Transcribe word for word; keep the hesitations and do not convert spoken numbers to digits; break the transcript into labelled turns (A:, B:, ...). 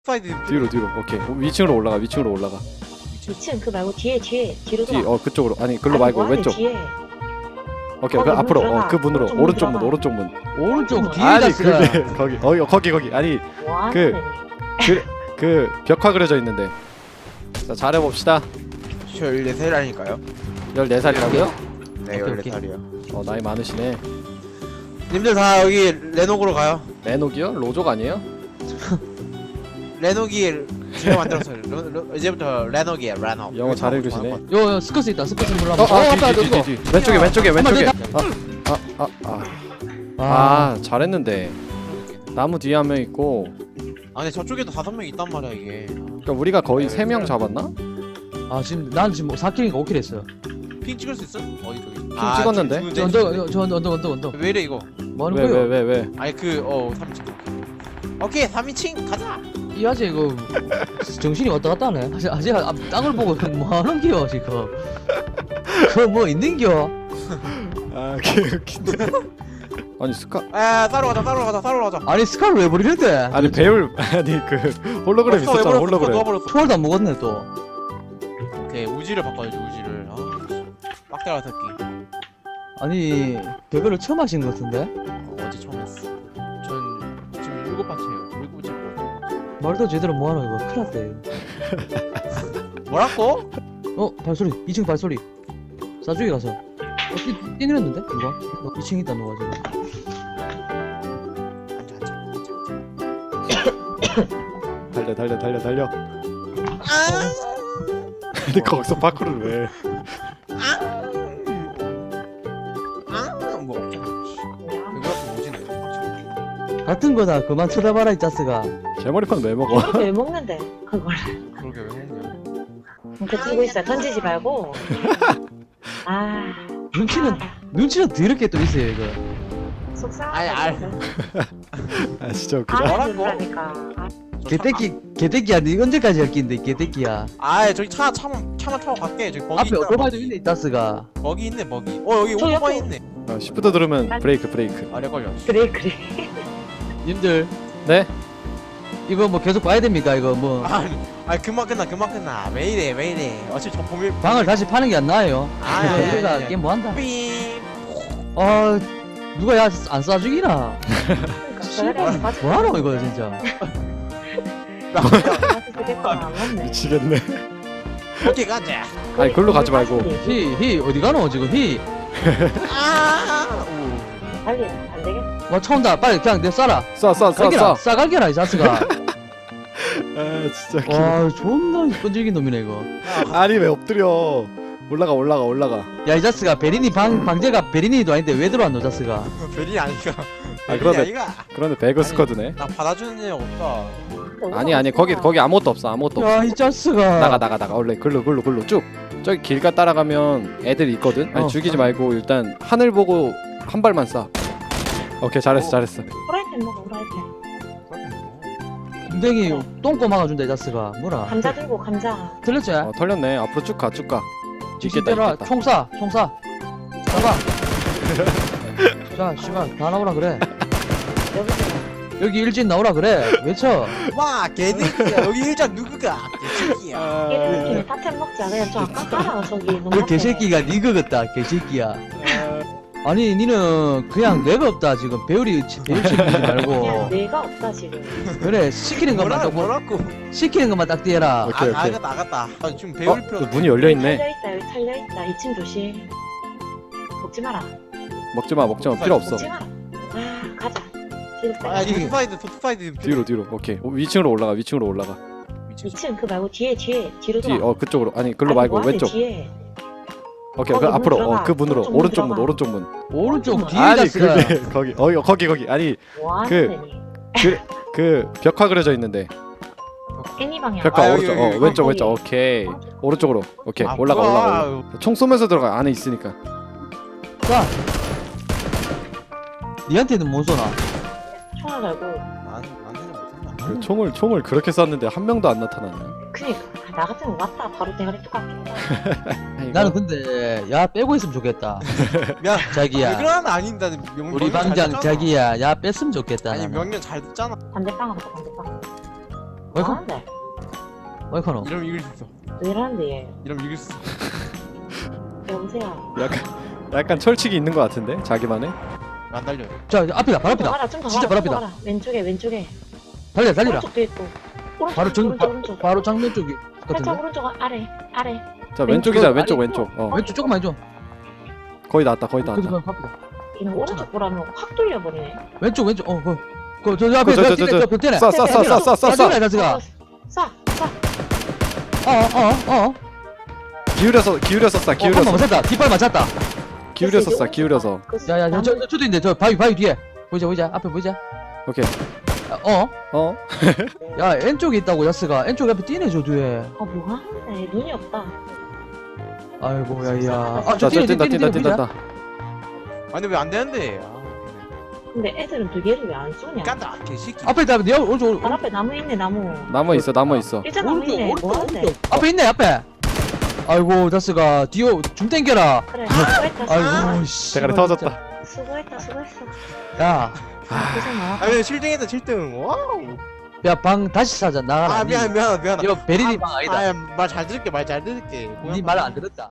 A: 사이드
B: 뒤로 뒤로. 오케이. 위층으로 올라가. 위층으로 올라가.
C: 이층 그 말고 뒤에 뒤에 뒤로
B: 뒤.
C: 돌아.
B: 어 그쪽으로. 아니 글로
C: 아니,
B: 말고
C: 뭐하네,
B: 왼쪽.
C: 뒤에.
B: 오케이. 그
C: 거기
B: 앞으로.
C: 문
B: 어
C: 들어가.
B: 그 문으로.
C: 오른쪽 문
B: 오른쪽 문.
C: 들어가.
B: 오른쪽 문.
D: 오른쪽 뒤에
B: 아니
D: 갔어.
B: 그게 거기. 어 거기 거기. 아니
C: 뭐하네.
B: 그- 그 그 벽화 그려져 있는데. 자 잘해 봅시다.
A: 저 열네 살이라니까요.
B: 열네 살이라고요?
A: 네,
D: 오케이,
A: 열네
D: 오케이.
A: 살이요.
B: 어 나이 많으시네.
A: 님들 다 여기 레녹으로 가요.
B: 레녹이요? 로족 아니에요?
A: 레녹이 제가 만들었어요. 로, 로, 이제부터 레녹이에요. 레녹.
B: 영어 잘 읽으시네.
D: 요, 요 스커스 있다. 스커스 몰라.
B: 어, 아,
D: 앞에
B: 뒤, 뒤,
D: 어디고?
B: 뒤, 뒤. 왼쪽에 왼쪽에
D: 한번
B: 왼쪽에.
D: 더
B: 아, 아, 아, 아,
D: 아,
B: 아, 잘했는데. 나무 뒤에 한 명 있고.
A: 아 근데 저쪽에도 다섯 명 있단 말이야 이게.
B: 그러니까 우리가 거의 세 명 잡았나?
D: 아 지금 난 지금 사 킬인가 오 킬 했어요.
A: 핑 찍을 수 있어? 어디 저기? 핑
B: 찍었는데?
D: 저 언덕, 저 언덕, 언덕, 언덕, 언덕.
A: 왜 이래 이거?
D: 뭐 하는
B: 왜 왜
D: 거예요?
B: 왜 왜?
A: 아니 그어 삼 인칭. 오케이 삼 인칭 가자.
D: 이 아재 이거 정신이 왔다 갔다 하네. 아재, 아재 앞 땅을 보고 뭐 하는 겨 지금? 그 뭐 있는겨?
B: 아, 개웃긴데. 아니 스카
A: 아 따로 가자 따로 가자 따로 가자.
D: 아니 스카를 왜 버리는데?
B: 아니 배울 아니 그 홀로그램
A: 어,
B: 있었잖아.
A: 왜
B: 홀로그램.
A: 놓아버렸어.
D: 초월도 안 먹었네 또.
A: 오케이 우지를 바꿔야지 우지를. 아 빡대가 새끼.
D: 아니 배그를 처음 하신 것 같은데?
A: 어, 어제 처음 했어. 전 지금 일곱 번째예요. 일곱 번째.
D: 말도 제대로 뭐 하노 이거 큰일 났대.
A: 뭐라고?
D: 어 발소리 이 층 발소리. 싸주기 가서. 어 뛰, 뛰내렸는데 누가? 어, 이 층 있다 누가 지금.
A: 앉아 앉아.
B: 달려 달려 달려 달려.
A: 아.
B: 근데 거기서 파쿠를 왜?
A: 아뭐 없잖아. 이거 오지네.
D: 같은 거다 그만 쳐다봐라 이 짜스가.
B: 제 머리판 왜 먹어?
C: 이렇게 왜 먹는데 그걸?
A: 그러게 왜 먹냐?
C: 이렇게 들고 있어. 던지지 말고. 아.
D: 눈치는 눈치는 더럽게 또 있어요 이거.
C: 속상하다.
A: 아니, 알.
B: 아 진짜 웃기다.
C: 아,
A: 뭐라고?
C: 그러니까. 아,
D: 개떼끼 개떼끼야 니 언제까지 할 낀데 개떼끼야.
A: 아 저기 차 차만 차만 타고 갈게. 저기 버기
D: 앞에
A: 있다.
D: 오토바이도 있네 이 짜스가.
A: 버기 있네 버기. 어 여기
C: 저
A: 오토바이
C: 옆에-
A: 있네.
B: 어, 시프트 누르면 브레이크 브레이크.
A: 아래 걸려.
C: 그래 그래.
D: 님들
B: 네?
D: 이거 뭐 계속 봐야 됩니까 이거 뭐
A: 아, 아 금방 끝나 금방 끝나. 왜 이래 왜 이래. 어차피 저 범일.
D: 방을 다시 파는 게 안 나아요.
A: 아니, 아니, 아니,
D: 우리가
A: 아니.
D: 게임 뭐 한다.
A: 삥.
D: 아 누가 야 안 쏴주기나.
C: 그러니까
D: 뭐 하노 이거 진짜.
C: 안 맞네.
B: 미치겠네.
A: 오케이 가자.
B: 아니 글로 가지 말고.
D: 히 히 어디 가노 지금 히.
A: 아. 오.
C: 달리 안 되겠어.
D: 와 처음다 빨리 그냥 내 쏴라.
B: 쏴 쏴 쏴
D: 갈겨라
B: 쏴.
D: 싸갈겨라 이 자스가.
B: 아 진짜. 기...
D: 와 존나 끈질긴 놈이네 이거.
B: 아니 왜 엎드려? 올라가 올라가 올라가.
D: 야 이 자스가 베리니 방 방제가 베리니도 아닌데 왜 들어왔노 자스가.
A: 별이 아니가.
B: 아, 그러네.
A: 아니가.
B: 그런데 배그
A: 아니,
B: 스쿼드네.
A: 나 받아주는 애 없다.
B: 아니 아니 거기 거기 아무것도 없어 아무것도 없어.
D: 야 이 자스가.
B: 나가 나가 나가 원래 글로 글로 글로 쭉 저기 길가 따라가면 애들 있거든. 아니
D: 어.
B: 죽이지 말고 일단 하늘 보고 한 발만 쏴. 오케이 잘했어 잘했어.
C: 프라이팬 먹어 프라이팬.
D: 엉덩이 똥꼬 막아준다 이 자스가. 뭐라.
C: 감자 들고 감자.
D: 들렸지?
B: 어 털렸네. 앞으로 쭉 가 쭉 가. 있겠다
D: 뒤집대라
B: 있겠다.
D: 총쏴 총쏴 잡아. 자 씨발 다 나오라 그래.
C: 여기서
D: 여기 일진 나오라 그래. 외쳐.
A: 와 개새끼야. 여기 일장 누구가? 개새끼야.
C: 깨끗이 타템 먹자. 그냥 저 아까 따라 저기 너무
D: 그 개새끼가 니 그겠다 개새끼야. 아니 니는 그냥 뇌가 없다 지금. 배우리 배우 치지
C: 그냥
D: 말고.
C: 뇌가 없다 지금.
D: 그래 시키는 것만
A: 뭐라
D: 딱 뭐-
A: 뭐라고?
D: 시키는 것만 딱 띠해라.
B: 오케이,
A: 아
B: 오케이.
A: 나갔다 나갔다. 아, 지금
B: 어,
A: 배울 필요.
B: 그 문이 열려 있네.
C: 털려 있다 여기 털려 있다. 이 층 조심. 먹지 마라.
B: 먹지 마 먹지 마 필요 없어.
C: 먹지 마라. 아 가자. 뒤로 빼.
A: 아 이거 사이드 토트 사이드
B: 뒤로 뒤로. 오케이 오, 위층으로 올라가 위층으로 올라가.
A: 미친.
C: 이 층 그 말고 뒤에 뒤에 뒤로
B: 뒤
C: 돌아.
B: 어 그쪽으로 아니 글로
C: 아니,
B: 말고
C: 뭐하네,
B: 왼쪽.
C: 뒤에.
B: 오케이 그
C: 거기 문
B: 앞으로
C: 들어가.
B: 어 그 문으로
C: 오른쪽 문
B: 오른쪽 문
C: 들어가.
B: 오른쪽 문.
D: 오른쪽 뒤에
B: 아니
D: 자스가.
B: 그게 거기 어 거기 거기 아니
C: 뭐하는
B: 그-
C: 데니?
B: 그 벽화 그려져 있는데
C: 애니 방향.
B: 벽화
A: 아, 여기,
B: 오른쪽
A: 여기,
B: 어
A: 여기.
B: 왼쪽
C: 거기.
B: 왼쪽 오케이 오른쪽으로 오케이
A: 아,
B: 올라가
A: 뭐야.
B: 올라가 올라가. 총 쏘면서 들어가 안에 있으니까.
D: 자. 니한테는 못 쏘나?
C: 총알 갈고.
A: 난 나한테는 못한다.
B: 그 총을 총을 그렇게 쐈는데 한 명도 안 나타나네.
C: 그니까 나 같으면 왔다 바로 대가리 뚝 깎겠다.
D: 나는 근데 야 빼고 있으면 좋겠다.
A: 미안.
D: 자기야.
A: 그건 아닌다. 명,
D: 우리
A: 명령 잘
D: 방장
A: 듣잖아.
D: 자기야 야 뺐으면 좋겠다.
A: 아니
D: 나는.
A: 명령 잘 듣잖아.
C: 반대방 가자 반대방.
D: 와이컨
C: 뭐하는데?
D: 와이컨어
A: 이러면 이길 수 있어.
C: 왜 이러는데 얘?
A: 이러면 이길 수 있어.
C: 여보세요.
B: 약간 약간 철칙이 있는 것 같은데 자기만의.
A: 안 달려.
D: 자 이제 앞이다 바로
C: 좀 더
D: 앞이다
C: 가라, 좀더
D: 진짜
C: 가라,
D: 바로
C: 좀더
D: 앞이다
C: 가라. 왼쪽에 왼쪽에.
D: 달려 달리라
C: 오른쪽도 있고. 오른쪽
D: 바로 정
C: 오른쪽
D: 바,
C: 오른쪽.
D: 바로 장면 쪽이
C: 살짝
D: 같은데
C: 오른쪽 아래 아래.
B: 자 왼쪽이자
D: 왼쪽,
B: 왼쪽
C: 아니,
B: 왼쪽. 어
D: 왼쪽 조금만 해줘
B: 거의 다 왔다 거의 다
D: 그래도
B: 왔다.
D: 그냥 앞이다
C: 이는 오른쪽 보라면 확 돌려버리네.
D: 왼쪽 왼쪽 어그그저 앞에
B: 저, 저,
D: 저
B: 저,
D: 뛰네
B: 저,
D: 저 뛰네
B: 쏴, 쏴, 쏴, 쏴, 쏴, 쏴, 쏴.
D: 뛰네 다스가
C: 쏴 쏴.
D: 어어어
B: 기울여서 기울여서 쏴
D: 한번
B: 기울여서
D: 맞았다 뒷발 맞았다
B: 기울여서 쏴 기울여서.
D: 야야 저 저, 저도 있네 저 바위 바위 뒤에 보이자 보이자 앞에 보이자
B: 오케이.
D: 어?
B: 어
D: 야 N쪽에 있다고 야스가 N쪽 앞에 뛰네 저 뒤에
C: 아 뭐하는데 눈이 없다.
D: 아이고 야야
C: 아,
D: 아저
B: 자, 저
D: 뛰네
B: 뛴다
D: 뛰네
B: 뛴다
D: 뛰네
B: 뛴다
D: 보이자
B: 뛴다.
A: 아니 왜 안 되는데? 아,
C: 근데 애들은 두 개를 왜 안 쏘냐?
A: 깐다 개새끼.
D: 앞에 있다 내 오른쪽
C: 발 앞에 나무 있네 나무.
B: 나무 있어 나무 있어.
C: 일자 나무
D: 오른쪽
C: 있네.
D: 오른쪽
C: 뭐하는데?
D: 오른쪽 앞에 있네 앞에 아이고 다스가 뒤로 중 땡겨라
C: 그래 수고했다.
D: 아이고 씨
B: 대가리 터졌다.
C: 수고했다 수고했어.
D: 야
C: 고생 많았다.
A: 아 근데 칠 등했다 칠 등. 와우.
D: 야 방 다시 사자 나가라
A: 아 미안 미안 미안.
D: 이거 베리니 방 아니다
A: 아말 잘 들을게 말 잘 들을게.
D: 니 말 안 들었다